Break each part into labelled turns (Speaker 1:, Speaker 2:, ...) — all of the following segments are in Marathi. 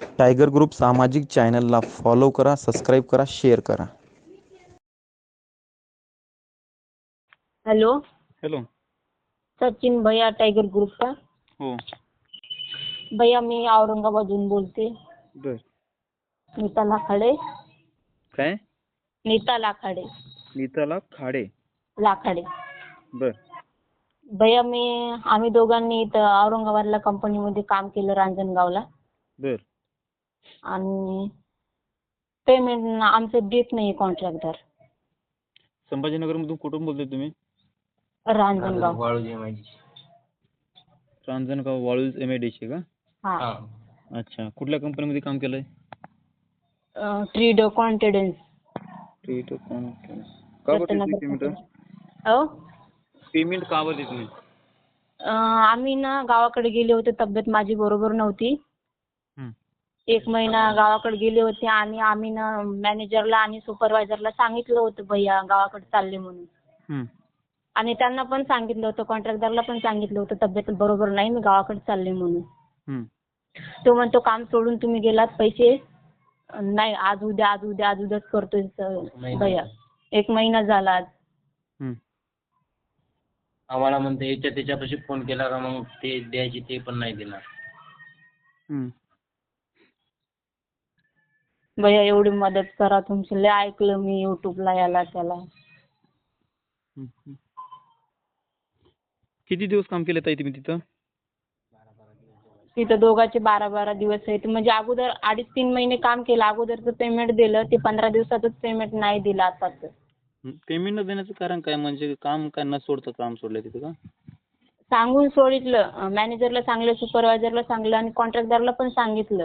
Speaker 1: टायगर ग्रुप सामाजिक चॅनलला फॉलो करा, सबस्क्राईब करा, शेअर करा.
Speaker 2: Hello,
Speaker 3: hello.
Speaker 2: सचिन भैया टायगर ग्रुप का?
Speaker 3: हो.
Speaker 2: भैया मी औरंगाबादहून बोलते.
Speaker 3: बर.
Speaker 2: नीता लाखाडे.
Speaker 3: काय?
Speaker 2: नीता लाखाडे.
Speaker 3: नीताला खाडे.
Speaker 2: लाखाडे.
Speaker 3: बर.
Speaker 2: भैया आम्ही दोघांनी इथं औरंगाबादला कंपनीमध्ये काम केलं रांजणगावला.
Speaker 3: बर.
Speaker 2: आणि पेमेंट आमचं देत नाही कॉन्ट्रॅक्टर.
Speaker 3: संभाजीनगरमधून कुठून बोलताय तुम्ही?
Speaker 2: रांजणगाव.
Speaker 3: रांजणगाव वाळूज MIDC का?
Speaker 2: हा.
Speaker 3: अच्छा. कुठल्या कंपनीमध्ये काम केलंय?
Speaker 2: ट्रीडो कॉन्फिडन्स.
Speaker 3: ट्रीडो कॉन्फिडन्स. का बरं देत नाही पेमेंट? पेमेंट का बरं देत नाही?
Speaker 2: आम्ही ना गावाकडे गेले होते, तब्येत माझी बरोबर नव्हती. 1 महिना गावाकडे गेले होते आणि आम्ही ना मॅनेजरला आणि सुपरवायझरला सांगितलं होतं भैया गावाकडे चालले म्हणून. आणि त्यांना पण सांगितलं होतं, कॉन्ट्रॅक्टरला पण सांगितलं होतं तब्येत बरोबर नाही, मी गावाकडे चालले म्हणून. तो म्हणतो काम सोडून तुम्ही गेलात, पैसे नाही, आज उद्याच करतोय भैया. 1 महिना झाला आज.
Speaker 4: आम्हाला म्हणते त्याच्यापाशी फोन केला का मग ते द्यायचे ते पण नाही देणार.
Speaker 2: भैया एवढी मदत करा तुमची, लय ऐकलं मी युट्यूबला याला त्याला.
Speaker 3: किती दिवस काम केलं ताई तुम्ही तिथं?
Speaker 2: तिथं दोघांचे 12-12 दिवस आहेत. म्हणजे अगोदर 2.5-3 महिने काम केलं, अगोदरचं पेमेंट दिलं, ते 15 दिवसातच पेमेंट नाही दिलं आताच.
Speaker 3: पेमेंट न देण्याचं कारण काय? म्हणजे काम काय न सोडतं काम सोडलंय तिथं का?
Speaker 2: सांगून सोडितलं, मॅनेजरला सांगलं, सुपरवायझरला सांगलं आणि कॉन्ट्रॅक्टरला पण सांगितलं.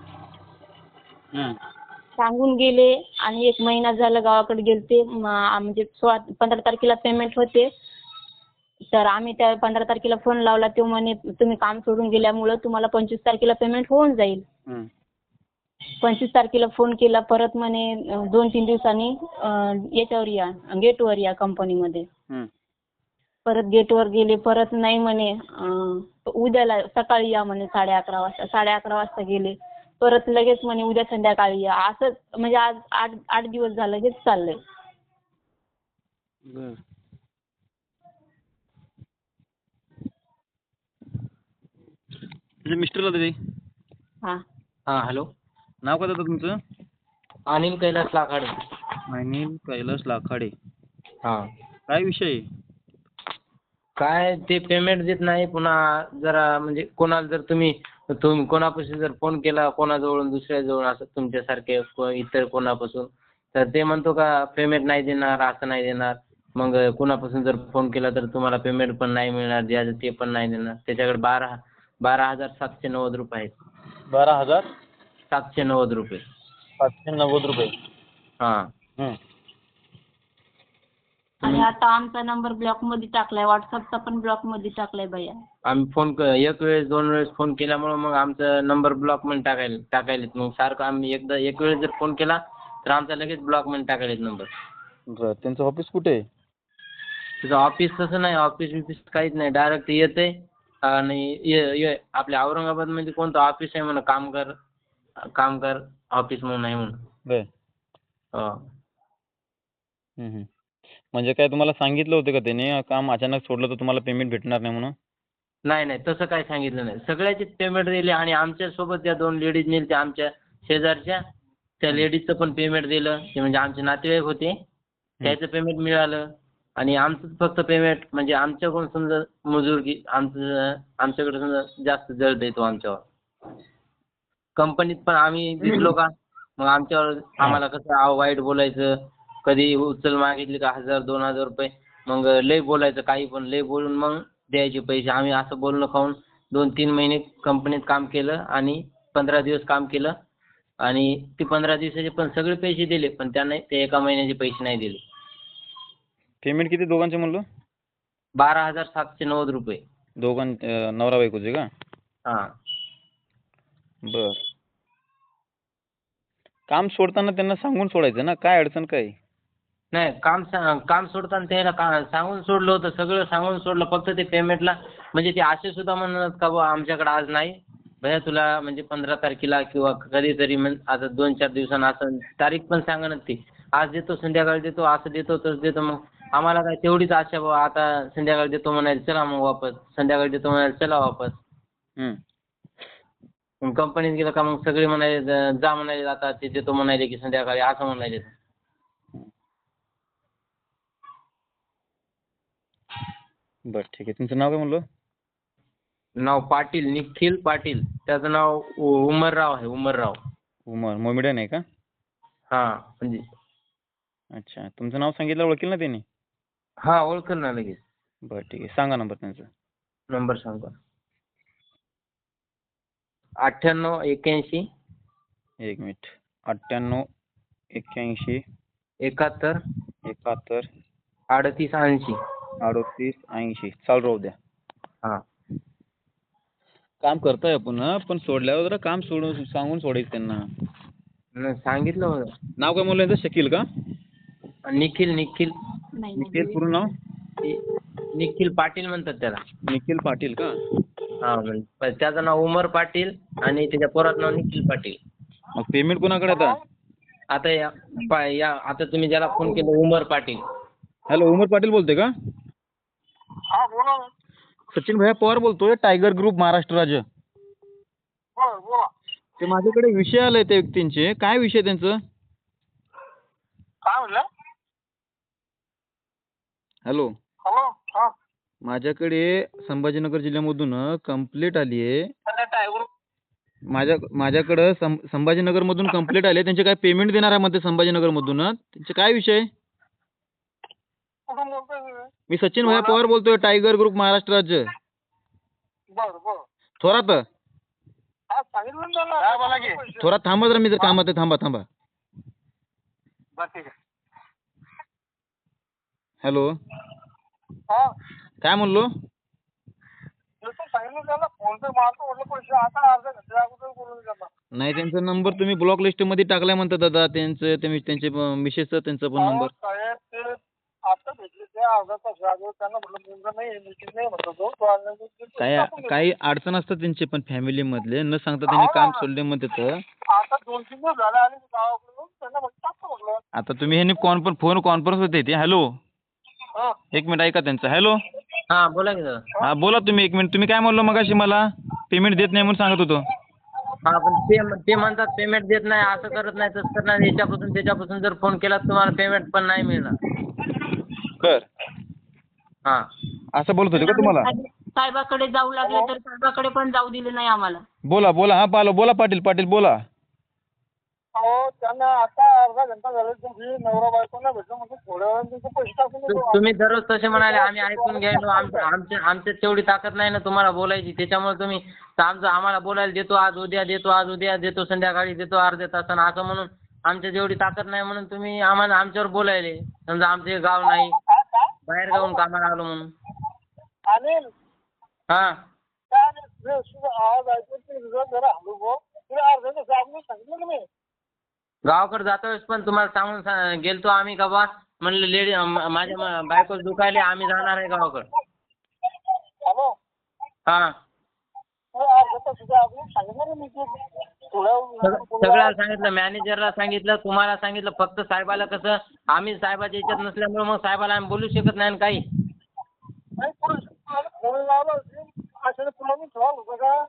Speaker 2: सांगून गेले आणि 1 महिना झाला गावाकडे गेलते. म्हणजे 15 तारखेला पेमेंट होते. तर आम्ही त्या 15 तारखेला फोन लावला, तो म्हणे तुम्ही काम सोडून गेल्यामुळं तुम्हाला 25 तारखेला पेमेंट होऊन जाईल. 25 तारखेला फोन केला परत, म्हणे 2-3 दिवसांनी याच्यावर या, गेटवर या कंपनीमध्ये. परत गेटवर गेले, परत नाही म्हणे, उद्याला सकाळी या म्हणे 11:30 वाजता. 11:30 वाजता गेले, परत लगेच म्हणे उद्या संध्याकाळी या. असं म्हणजे आज 8 दिवस झालं हेच चाललंय.
Speaker 3: मिस्टरला दे.
Speaker 2: हा.
Speaker 4: हॅलो.
Speaker 3: नाव काय दादा तुमचं?
Speaker 4: अनिल कैलास लाखाडे.
Speaker 3: अनिल कैलास लाखाडे.
Speaker 4: हा.
Speaker 3: काय विषय?
Speaker 4: काय ते पेमेंट देत नाही. पुन्हा जरा म्हणजे कोणाला जर तुम्ही कोणापासून जर फोन केला, कोणाजवळून दुसऱ्याजवळ, असं तुमच्यासारखे इतर कोणापासून, तर ते म्हणतो का पेमेंट नाही देणार, असं नाही देणार. मग कोणापासून जर फोन केला तर तुम्हाला पेमेंट पण नाही मिळणार, द्यायचं ते पण नाही देणार. त्याच्याकडे 12,790 रुपये आहेत.
Speaker 3: 12,790
Speaker 4: रुपये.
Speaker 3: 790 रुपये.
Speaker 4: हां.
Speaker 2: आणि आता आमचा नंबर ब्लॉक मध्ये टाकलाय, व्हॉट्सअपचा पण ब्लॉक मध्ये टाकलाय भैया.
Speaker 4: आम्ही एक वेळेस 2 वेळेस फोन केल्यामुळे मग आमचा नंबर ब्लॉक मध्ये टाकायलेत. मग सारखं आम्ही एक वेळेस जर फोन केला तर आमचा लगेच ब्लॉक मध्ये टाकायलेत नंबर.
Speaker 3: बरं. त्यांचं ऑफिस कुठे आहे?
Speaker 4: तिथं ऑफिस तसं नाही, ऑफिस काहीच नाही. डायरेक्ट येते आणि आपल्या औरंगाबादमध्ये कोणतं ऑफिस आहे म्हणा, कामगार ऑफिस म्हणून आहे म्हणून.
Speaker 3: बरं.
Speaker 4: हो.
Speaker 3: म्हणजे काय तुम्हाला सांगितलं होतं का त्याने काम अचानक सोडलं तर तुम्हाला पेमेंट भेटणार नाही म्हणून?
Speaker 4: नाही, तसं काही सांगितलं नाही. सगळ्याचीच पेमेंट दिली आणि आमच्यासोबत त्या 2 लेडीज नेलत्या आमच्या शेजारच्या, त्या लेडीजचं पण पेमेंट दिलं. ते म्हणजे आमचे नातेवाईक होते, त्याचं पेमेंट मिळालं. आणि आमचं फक्त पेमेंट म्हणजे आमच्याकडून समजा मजुरी आमच्याकडे समजा जास्त जळ देतो आमच्यावर. कंपनीत पण आम्ही दिसलो का मग आम्हाला कसं वाईट बोलायचं, कधी उचल मागितली का 1,000-2,000 रुपये, मग लय बोलायचं, काही पण लय बोलून मग द्यायचे पैसे. आम्ही असं बोलणं खाऊन 2-3 महिने कंपनीत काम केलं आणि 15 दिवस काम केलं आणि ते 15 दिवसाचे पण सगळे पैसे दिले, पण त्याने ते 1 महिन्याचे पैसे नाही दिले.
Speaker 3: पेमेंट किती दोघांचे म्हणलं?
Speaker 4: 12,790 रुपये.
Speaker 3: नवरा बायकोचे का?
Speaker 4: हां.
Speaker 3: बर. काम सोडताना त्यांना सांगून सोडायचं ना, काय अडचण काय?
Speaker 4: नाही, काम सोडताना त्याला सांगून सोडलं होतं, सगळं सांगून सोडलं. फक्त ते पेमेंटला म्हणजे ते असे सुद्धा म्हणत का बुवा आमच्याकडे आज नाही, भैया तुला म्हणजे 15 तारखेला किंवा कधीतरी आता 2-4 दिवसांना असं तारीख पण सांगा ना ती. आज देतो, संध्याकाळी देतो, असं देतो, तसं देतो. मग आम्हाला काय तेवढीच आशा बाबा आता संध्याकाळी देतो म्हणायला चला मग वापस, संध्याकाळी देतो म्हणायला चला वापस.
Speaker 3: हं.
Speaker 4: मग कंपनीत गेलं का मग सगळे म्हणाले जा म्हणाले आता ते देतो म्हणाले की संध्याकाळी असं म्हणाले.
Speaker 3: बरं ठीक आहे. तुमचं नाव काय म्हणलं?
Speaker 4: नाव पाटील, निखिल पाटील. त्याचं नाव उमरराव आहे, उमरराव.
Speaker 3: उमर मोमेडियन आहे का?
Speaker 4: हां म्हणजे
Speaker 3: अच्छा. तुमचं नाव सांगितलं ओळखेल ना त्यांनी?
Speaker 4: हां ओळखेल ना लगेच.
Speaker 3: बरं ठीक आहे. सांगा नंबर त्यांचा.
Speaker 4: नंबर सांगा. 9881
Speaker 3: एक मिनिट. 98 81
Speaker 4: 71
Speaker 3: 71
Speaker 4: 38 80.
Speaker 3: 38 80. चालू राहू द्या.
Speaker 4: हां
Speaker 3: काम करतोय आपण पण सोडल्यावर जरा काम सोडून सांगून सोडायचं त्यांना.
Speaker 4: सांगितलं होतं.
Speaker 3: नाव काय म्हणलं यांचं? शकील का?
Speaker 4: निखिल निखिल
Speaker 2: नाही
Speaker 3: निखिल पूर्ण नाव?
Speaker 4: निखिल पाटील म्हणतात त्याला.
Speaker 3: निखिल पाटील का?
Speaker 4: हां म्हणजे त्याचं नाव उमर पाटील आणि त्याच्या पोराचं नाव निखिल पाटील.
Speaker 3: मग पेमेंट कोणाकडे आता?
Speaker 4: आता आता तुम्ही ज्याला फोन केला उमर पाटील.
Speaker 3: हॅलो, उमर पाटील बोलते का?
Speaker 5: हा बोला.
Speaker 3: सचिन भैया पवार बोलतोय, टायगर ग्रुप महाराष्ट्र राज्य.
Speaker 5: बरं बोला.
Speaker 3: ते माझ्याकडे विषय आले त्या व्यक्तींचे. काय विषय त्यांचं?
Speaker 5: काय म्हणलं?
Speaker 3: Hello,
Speaker 5: hello. हा
Speaker 3: माझ्याकडे संभाजीनगर जिल्ह्यामधून कंप्लेंट आली आहे.
Speaker 5: टायगर
Speaker 3: माझ्याकडं संभाजीनगरमधून कंप्लेंट आली आहे. त्यांचे काय पेमेंट देणार आहे मध्ये संभाजीनगरमधून. त्यांचे काय विषय?
Speaker 5: कुठून बोलतोय तुम्ही?
Speaker 3: मी सचिन भैया पवार बोलतोय, टायगर ग्रुप महाराष्ट्र राज्य.
Speaker 5: बरं बरं.
Speaker 3: थोरात
Speaker 5: हा सांगितलं ना त्याला. काय बोला की?
Speaker 3: थोरात थांबा जरा, मी जर कामात आहे. थांबा.
Speaker 5: बरं ठीक आहे.
Speaker 3: हॅलो,
Speaker 5: हा
Speaker 3: काय म्हणलो?
Speaker 5: तू सांगितलं त्याला फोन पे मारतो म्हटलं पैसे आता अर्ध्या घंट्या अगोदर बोलून त्यांना.
Speaker 3: नाही, त्यांचा नंबर तुम्ही ब्लॉक लिस्टमध्ये टाकलाय म्हणतात दादा. त्यांचे मिसेसचा त्यांचा पण नंबर.
Speaker 5: साहेब ते आता भेटले ते अर्धा तास अगोदर त्यांना म्हटलं मुलगा नाही मीटिंग नाही म्हटलं तो आल्यानंतर
Speaker 3: काही अडचण असतात त्यांचे पण फॅमिली मधले, न सांगता त्यांनी काम सोडले म्हणतात.
Speaker 5: आता 2-3 दिवस झाले आणि गावाकडून त्यांना म्हटलं टाकतो म्हटलं.
Speaker 3: आता तुम्ही ह्यांनी फोन कॉन्फरन्स होते ते. हॅलो,
Speaker 5: हा
Speaker 3: एक मिनिट ऐका त्यांचं. हॅलो,
Speaker 4: हां बोला की दादा.
Speaker 3: हा बोला तुम्ही. एक मिनिट. तुम्ही काय म्हणलो मगाशी मला? पेमेंट देत नाही म्हणून सांगत होतो.
Speaker 4: हां पण ते म्हणतात पेमेंट देत नाही, असं करत नाही, तसं करत नाही. याच्यापासून त्याच्यापासून जर फोन केला तर तुम्हाला पेमेंट पण नाही मिळणार.
Speaker 3: बर,
Speaker 4: हां
Speaker 3: असं बोलत होते का तुम्हाला?
Speaker 2: साहेबाकडे जाऊ लागले तर साहेबाकडे पण जाऊ दिले नाही आम्हाला.
Speaker 3: बोला. हा बोला पाटील बोला.
Speaker 5: अहो त्यांना आता अर्धा घंटा झाला तुम्ही नवरा बायकोला भेटलं म्हणजे थोड्या वेळाने तुमचे पैसे टाकून देतो.
Speaker 4: तुम्ही दररोज तसे म्हणाले, आम्ही ऐकून घ्यायलो. आमच्यात तेवढी ताकद नाही ना तुम्हाला बोलायची. त्याच्यामुळे तुम्ही आम्हाला बोलायला देतो, आज उद्या देतो, संध्याकाळी देतो, अर्ध्या तासानं असं म्हणून आमच्यात एवढी ताकद नाही म्हणून तुम्ही आम्हाला आमच्यावर बोलायले. समजा आमचं हे गाव नाही, बाहेर गावून कामाला आलो म्हणून.
Speaker 5: अनिल
Speaker 4: हां
Speaker 5: काय आवाज ऐकून ते जरा हलू गो तुला अर्धा तास अगोदर सांगितलं तुम्ही.
Speaker 4: गावाकडे जातोयच पण तुम्हाला सांगून गेलतो आम्ही का बा म्हणलं लेडी माझ्या बायको दुखायले, आम्ही जाणार आहे गावाकडे.
Speaker 5: हॅलो.
Speaker 4: हां
Speaker 5: अर्धा तास अगोदर सांगितलं ना मी ते
Speaker 4: सगळ्याला सांगितलं, मॅनेजरला सांगितलं, तुम्हाला सांगितलं. फक्त साहेबाला कसं आम्ही साहेबाच्या याच्यात नसल्यामुळे मग साहेबाला आम्ही बोलू शकत नाही काही.
Speaker 5: नाही फोन लावला अशाने पुन्हा मी ठेवाल होतं का?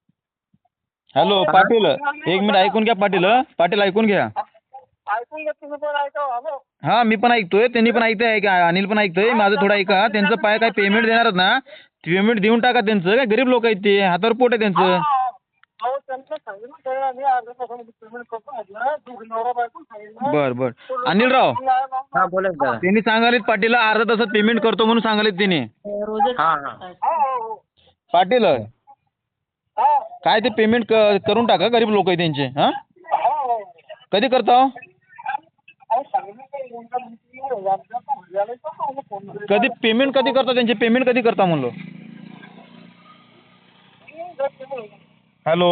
Speaker 3: हॅलो पाटील, एक मिनिट ऐकून घ्या. पाटील ऐकून घ्या.
Speaker 5: ऐकून घ्या तुम्ही पण ऐका. हॅलो.
Speaker 3: हा मी पण ऐकतोय, त्यांनी पण ऐकतोय, अनिल पण ऐकतोय. माझं थोडं ऐका. त्यांचं काय पेमेंट देणार ना, पेमेंट देऊन टाका त्यांचं. काय गरीब लोक आहेत ते, हातावर पोट आहे त्यांचं.
Speaker 5: अहो त्यांचं सांगितलं त्याला मी अर्ध्या तासामध्ये पेमेंट करतो म्हटलं. दोघी नवरा बायको सांगितलं.
Speaker 3: बर अनिलराव,
Speaker 4: हां बोला दादा.
Speaker 3: त्यांनी सांगालेत पाटीलला अर्धा तासात पेमेंट करतो म्हणून सांगालेत त्यांनी.
Speaker 2: रोजच
Speaker 4: हां
Speaker 3: पाटील काय ते पेमेंट करून टाका, गरीब लोक आहे त्यांचे. हा कधी करता? कधी पेमेंट कधी करता त्यांचे? पेमेंट कधी करता म्हणलो. हॅलो,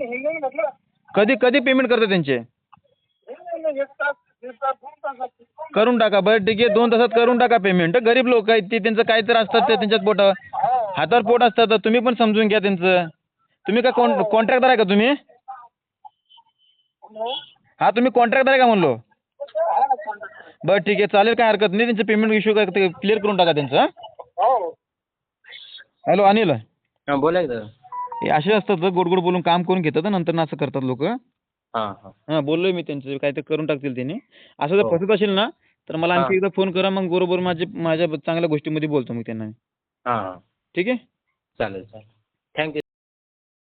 Speaker 3: कधी पेमेंट करता त्यांचे? करून टाका. बरं ठीक आहे, 2 तासात करून टाका पेमेंट. गरीब लोक आहेत ते, त्यांचं काहीतरी असतात ते, त्यांच्यात पोटावर हातावर पोट असतं, तर तुम्ही पण समजून घ्या त्यांचं. तुम्ही का कॉन्ट्रॅक्टर आहे का तुम्ही? हा, तुम्ही कॉन्ट्रॅक्टर आहे का म्हणलो? बरं ठीक आहे, चालेल, काय हरकत नाही. त्यांचं पेमेंट इश्यू काय क्लिअर करून टाका त्यांचं.
Speaker 5: हो.
Speaker 3: हॅलो अनिल,
Speaker 4: हां बोला की दादा.
Speaker 3: हे असे असतात गोड गोड बोलून काम करून घेतात, नंतर ना असं करतात लोक.
Speaker 4: हां हां.
Speaker 3: हां, बोललोय मी त्यांचं, काहीतरी करून टाकतील त्यांनी. असं जर
Speaker 4: हो.
Speaker 3: फसत असेल ना, तर मला आणखी
Speaker 4: हां.
Speaker 3: एकदा फोन करा, मग बरोबर माझ्या चांगल्या गोष्टीमध्ये बोलतो मग त्यांना.
Speaker 4: हां हां.
Speaker 3: ठीक आहे.
Speaker 4: चालेल चालेल. थँक्यू.